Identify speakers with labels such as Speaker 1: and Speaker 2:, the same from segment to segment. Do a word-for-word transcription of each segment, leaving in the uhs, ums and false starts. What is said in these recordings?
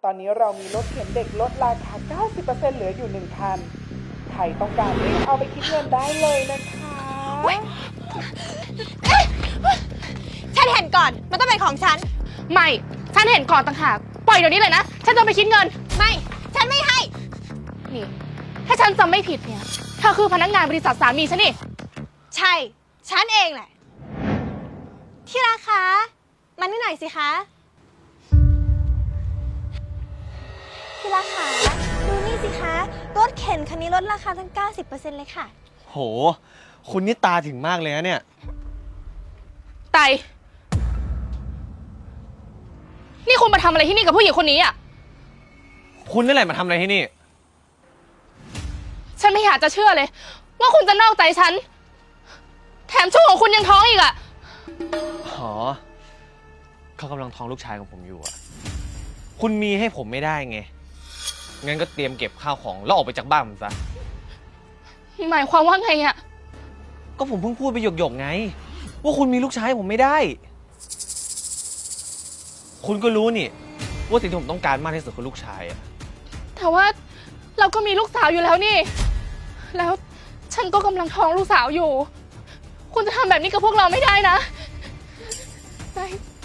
Speaker 1: อนนี้เรามีรถเข็นเด็กลดราคา เก้าสิบเปอร์เซ็นต์ เหลืออยู่หนึ่งคันใครต้องการรีบเอาไปคิดเงินได้เลยนะคะ
Speaker 2: ฉันเห็นก่อนมันต้องเป็นของฉัน
Speaker 3: ไม่ฉันเห็นก่อนต่างหากปล่อยเดี๋ยวนี้เลยนะฉันจะไปคิดเงิน
Speaker 2: ไม่ฉันไม่ให้
Speaker 3: นี่ถ้าฉันจำไม่ผิดเนี่ยเธอคือพนักงานบริษัทสามีฉันนี่
Speaker 2: ใช่ฉันเองแหละที่รักคะมานี่หน่อยสิคะที่รักคะดูนี่สิคะรถเข็นคันนี้ลดราคาตั้ง เก้าสิบเปอร์เซ็นต์ เลยค่ะ
Speaker 4: โหคุณนี่ตาถึงมากเลยนะเนี่ย
Speaker 3: ไตนี่คุณมาทำอะไรที่นี่กับผู้หญิงคนนี้อ่ะ
Speaker 4: คุณนี่แหละมาทำอะไรที่นี่
Speaker 3: ฉันไม่อยากจะเชื่อเลยว่าคุณจะนอกใจฉันแถมช่วงของคุณยังท้องอีกอ่ะ
Speaker 4: อ๋อเขากำลังท้องลูกชายของผมอยู่อ่ะคุณมีให้ผมไม่ได้ไงงั้นก็เตรียมเก็บข้าวของแล้วออกไปจากบ้านผมซะ
Speaker 3: หมายความว่าไงอ่ะ
Speaker 4: ก็ผมเพิ่งพูดไปหยกๆไงว่าคุณมีลูกชายผมไม่ได้คุณก็รู้นี่ว่าสิ่งที่ผมต้องการมากที่สุดคือลูกชายอะ
Speaker 3: แต่ว่าเราก็มีลูกสาวอยู่แล้วนี่แล้วฉันก็กำลังท้องลูกสาวอยู่คุณจะทำแบบนี้กับพวกเราไม่ได้นะได้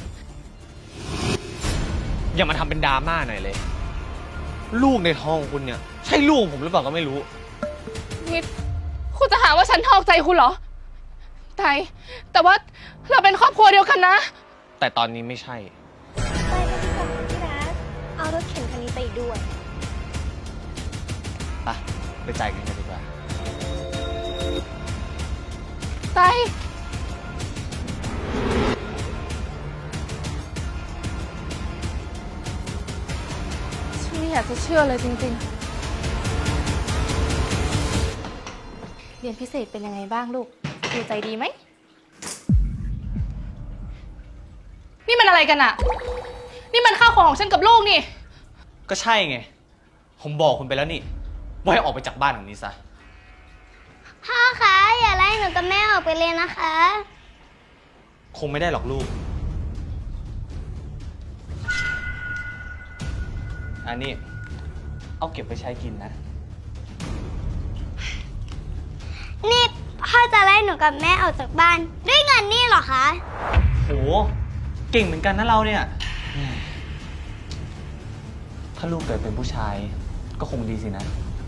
Speaker 4: อย่ามาทำเป็นดราม่าหน่อยเลยลูกในท้องของคุณเนี่ยใช่ลูกของผมหรือเปล่าก็ไม่รู้
Speaker 3: นี่คุณจะหาว่าฉันนอกใจคุณเหรอไตแต่ว่าเราเป็นครอบครัวเดียวกันนะ
Speaker 4: แต่ตอนนี้ไม่ใช่
Speaker 2: ไปกันดีกว่าที่รักเอารถเข็นคันนี้ไปด้วย
Speaker 4: ไปไปจ่ายเงินกันดีกว่า
Speaker 3: ไตฉันไม่อยากจะเชื่อเลยจริงๆเรียนพิเศษเป็นยังไงบ้างลูกดูใจดีไหมนี่มันอะไรกันอะนี่มันข้าวของของฉันกับลูกนี่
Speaker 4: ก็ใช่ไงผมบอกคุณไปแล้วนี่ว่าให้ออกไปจากบ้านหลังนี้ซะ
Speaker 2: พ่อคะอย่าไล่หนูกับแม่ออกไปเลยนะคะ
Speaker 4: คงไม่ได้หรอกลูกอันนี้เอาเก็บไปใช้กินนะ
Speaker 2: นี่พ่อจะไล่หนูกับแม่ออกจากบ้านด้วยเงินนี่เหรอคะ
Speaker 4: โหเก่งเหมือนกันนะเราเนี่ยถ้าลูกเกิดเป็นผู้ชายก็คงดีสินะ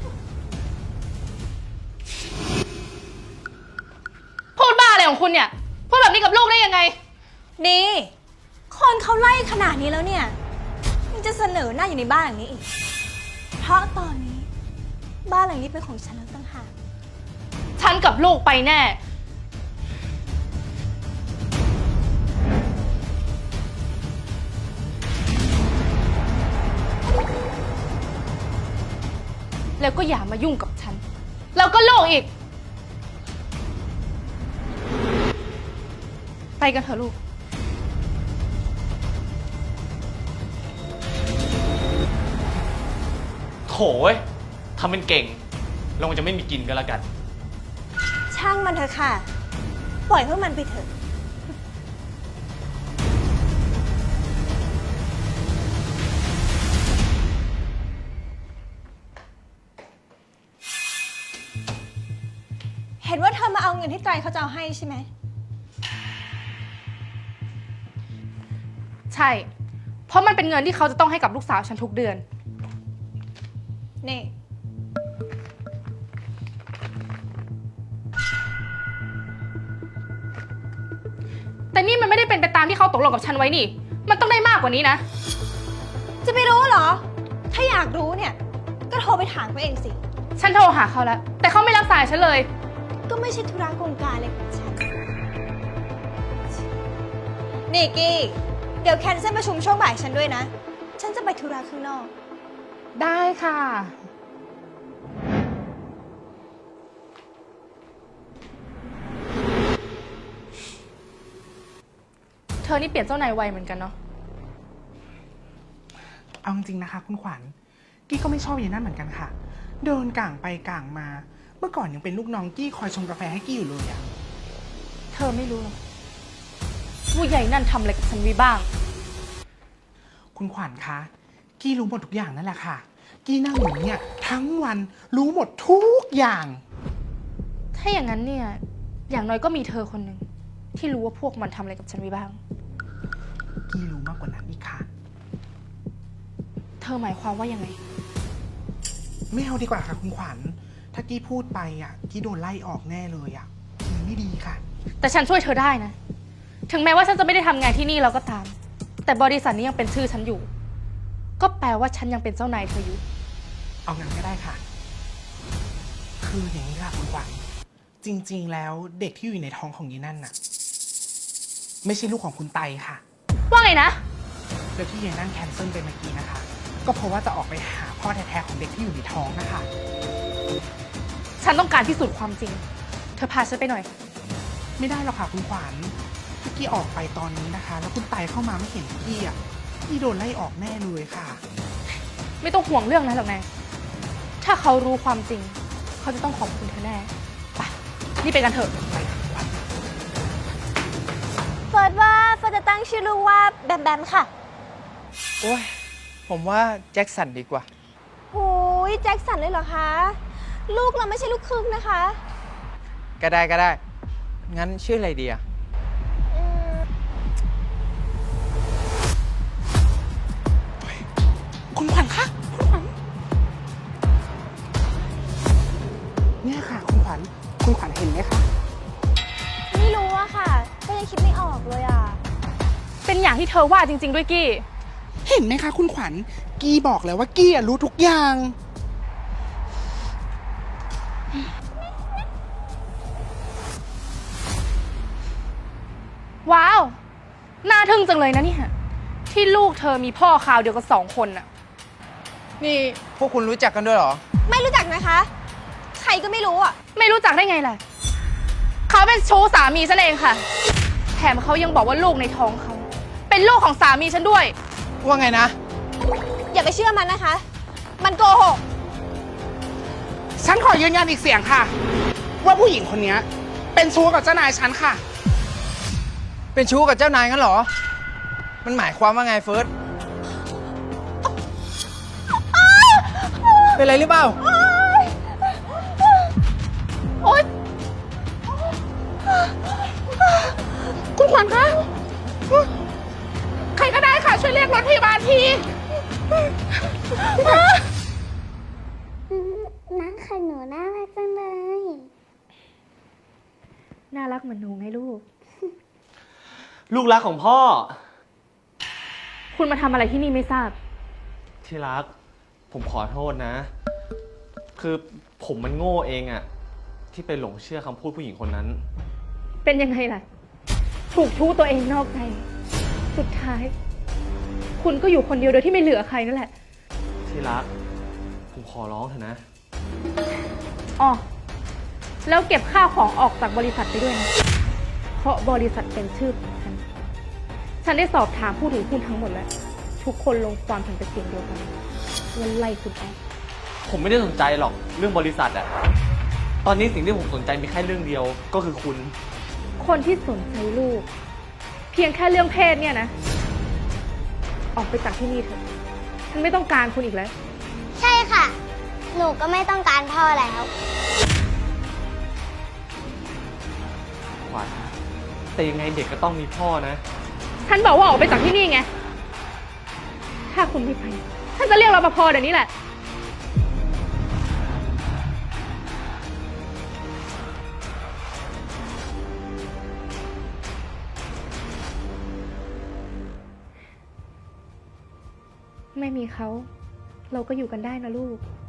Speaker 3: พูดบ้าอะไรของคุณเนี่ยพูดแบบนี้กับลูกได้ยังไง
Speaker 2: นี่คนเขาไล่ขนาดนี้แล้วเนี่ยยังจะเสนอหน้าอยู่ในบ้านหลังนี้อีกเพราะตอนนี้บ้านหลังนี้เป็นของฉันแล้วต่างหาก
Speaker 3: ฉันกับลูกไปแน่แล้วก็อย่ามายุ่งกับฉันแล้วก็โลกอีกไปกันเถอะลูก
Speaker 4: โถ่ทำเป็นเก่งเราจะไม่มีกินกันแล้วกัน
Speaker 2: ช่างมันเถอะค่ะปล่อยพวกมันไปเถอะเห็นว่าเธอมาเอาเงินที่ไตรเขาจะเอาให้ใช่ไหม
Speaker 3: ใช่เพราะมันเป็นเงินที่เขาจะต้องให้กับลูกสาวฉันทุกเดือน
Speaker 2: นี่
Speaker 3: แต่นี่มันไม่ได้เป็นไปตามที่เขาตกลงกับฉันไว้นี่มันต้องได้มากกว่านี้นะ
Speaker 2: จะไปรู้เหรอถ้าอยากรู้เนี่ยก็โทรไปถามเขาเองสิ
Speaker 3: ฉันโทรหาเขาแล้วแต่เขาไม่รับสายฉันเลย
Speaker 2: ก็ไม่ใช่ธุระโครงการอะไรของฉันนี่กี้เดี๋ยวแคนเซิลประชุมช่วงบ่ายฉันด้วยนะฉันจะไปธุระข้างนอก
Speaker 3: ได้ค่ะเธอนี่เปลี่ยนเจ้านายไวเหมือนกันเนาะ
Speaker 1: เอาจริงนะคะคุณขวัญกี้ก็ไม่ชอบอย่างนั้นเหมือนกันค่ะเดินก่างไปก่างมาเมื่อก่อนยังเป็นลูกน้องกี้คอยชงกาแฟให้กี้อยู่เลยอะ
Speaker 3: เธอไม่รู้หรอกผู้ใหญ่นั่นทำอะไรกับฉันไว้บ้าง
Speaker 1: คุณขวัญคะกี้รู้หมดทุกอย่างนั่นแหละค่ะ กี้นั่งอยู่เนี่ยทั้งวันรู้หมดทุกอย่าง
Speaker 3: ถ้าอย่างนั้นเนี่ย อย่างน้อยก็มีเธอคนหนึ่งที่รู้ว่าพวกมันทำอะไรกับฉันไว้บ้าง
Speaker 1: กี้รู้มากกว่านั้นอีกค่ะ
Speaker 3: เธอหมายความว่ายังไง
Speaker 1: ไม่เอาดีกว่าค่ะคุณขวัญ ถ้ากี้พูดไปอ่ะ กี้โดนไล่ออกแน่เลยอ่ะมันไม่ดีค่ะ
Speaker 3: แต่ฉันช่วยเธอได้นะ ถึงแม้ว่าฉันจะไม่ได้ทำงานที่นี่แล้วก็ตาม แต่บริษัทนี้ยังเป็นชื่อฉันอยู่ ก็แปลว่าฉันยังเป็นเจ้านายเธออยู่
Speaker 1: เอางั้นก็ได้ค่ะ คืออย่างนี้ค่ะคุณขวัญ จริง ๆ แล้วเด็กที่อยู่ในท้องของยีนั่นน่ะ ไม่ใช่ลูกของคุณไตค่ะ
Speaker 3: ว่าไงนะ
Speaker 1: แล้วที่ยีนั่นแคนเซิลไปเมื่อกี้นะคะ ก็เพราะว่าจะออกไปหาพ่อแท้ๆของเด็กที่อยู่ในท้องนะคะ
Speaker 3: ฉันต้องการพิสูจน์ความจริง เธอพาฉันไปหน่อย
Speaker 1: ไม่ได้หรอกค่ะคุณขวัญถ้ากี้ออกไปตอนนี้นะคะ แล้วคุณไตเข้ามาไม่เห็นกี้อ่ะกี้โดนไล่ออกแน่เลยค่ะ
Speaker 3: ไม่ต้องห่วงเรื่องนั้นหรอกนะ ถ้าเขารู้ความจริง เขาจะต้องขอบคุณเธอแน่ ไป นี่ไปกันเถอะ
Speaker 1: ไปค่ะคุณขวัญ
Speaker 2: เฟิร์สว่าเฟิร์สจะตั้งชื่อลูกว่าแบมแบมค่ะ
Speaker 5: โอ้ย ผมว่าแจ็คสันดีกว่า
Speaker 2: โอ้ยแจ็คสันเลยเหรอคะ ลูกเราไม่ใช่ลูกครึ่งนะคะ
Speaker 5: ก็ได้ก็ได้ งั้นชื่ออะไรดีอะ
Speaker 2: อืม
Speaker 1: คุณขวัญคะคุณขวัญเนี่ยค่ะ คุณขวัญ คุณขวัญเห็นไหมคะ
Speaker 2: ไม่รู้อะค่ะ ก็ยังคิดไม่ออกเลยอะ
Speaker 3: เป็นอย่างที่เธอว่าจริง ๆ ด้วยกี้
Speaker 1: เห็นไหมคะ คุณขวัญ กี้บอกแล้วว่ากี้อะรู้ทุกอย่าง
Speaker 3: ว้าว น่าทึ่งจังเลยนะเนี่ย ที่ลูกเธอมีพ่อข่าวเดียวกันสองคนน่ะ
Speaker 5: นี่พวกคุณรู้จักกันด้วยเหรอ
Speaker 2: ไม่รู้จักนะคะ ใครก็ไม่รู้อะ
Speaker 3: ไม่รู้จักได้ไงล่ะ เขาเป็นชู้สามีฉันเองค่ะ แถมเขายังบอกว่าลูกในท้องเขา เป็นลูกของสามีฉันด้วย
Speaker 5: ว่าไงนะ
Speaker 2: อย่าไปเชื่อมันนะคะ มันโกหก
Speaker 1: ฉันขอยืนยันอีกเสียงค่ะ ว่าผู้หญิงคนนี้เป็นชู้กับเจ้านายฉันค่ะ
Speaker 5: เป็นชู้กับเจ้านายงั้นเหรอ มันหมายความว่าไงเฟิร์ส เป็นไรหรือเปล่า
Speaker 3: โอ๊ย
Speaker 1: คุณขวัญคะ ใครก็ได้ค่ะ ช่วยเรียกรถพยาบาลที
Speaker 6: น้องของหนูน่ารักจังเลย
Speaker 3: น่ารักเหมือนหนูไงลูก
Speaker 4: ลูกรักของพ่อ
Speaker 3: คุณมาทำอะไรที่นี่ไม่ทราบ
Speaker 4: ที่รัก ผมขอโทษนะ คือผมมันโง่เองอะที่ไปหลงเชื่อคำพูดผู้หญิงคนนั้น
Speaker 3: เป็นยังไงล่ะ ถูกชู้ตัวเองนอกใจ สุดท้าย คุณก็อยู่คนเดียวโดยที่ไม่เหลือใครนั่นแหละ
Speaker 4: ที่รัก ผมขอร้องเถอะนะ
Speaker 3: อ๋อ แล้วเก็บข้าวของออกจากบริษัทไปด้วยนะ เพราะบริษัทเป็นชื่อของฉัน ฉันได้สอบถามผู้ถือหุ้นทั้งหมดแล้ว ทุกคนลงความเห็นเป็นเสียงเดียวกันว่าไล่คุณออก
Speaker 4: ผมไม่ได้สนใจหรอกเรื่องบริษัทอะตอนนี้สิ่งที่ผมสนใจมีแค่เรื่องเดียวก็คือคุณ
Speaker 3: คนที่สนใจลูก เพียงแค่เรื่องเพศเนี่ยนะ ออกไปจากที่นี่เถอะ ฉันไม่ต้องการคุณอีกแล้ว
Speaker 6: ใช่ค่ะ หนูก็ไม่ต้องการพ่อแล้ว
Speaker 4: ขวัญแต่ยังไงเด็กก็ต้องมีพ่อนะ
Speaker 3: ฉันบอกว่าออกไปจากที่นี่ไง ถ้าคุณไม่ไป ฉันจะเรียกรปภเดี๋ยวนี้แหละ ไม่มีเขา เราก็อยู่กันได้นะลูก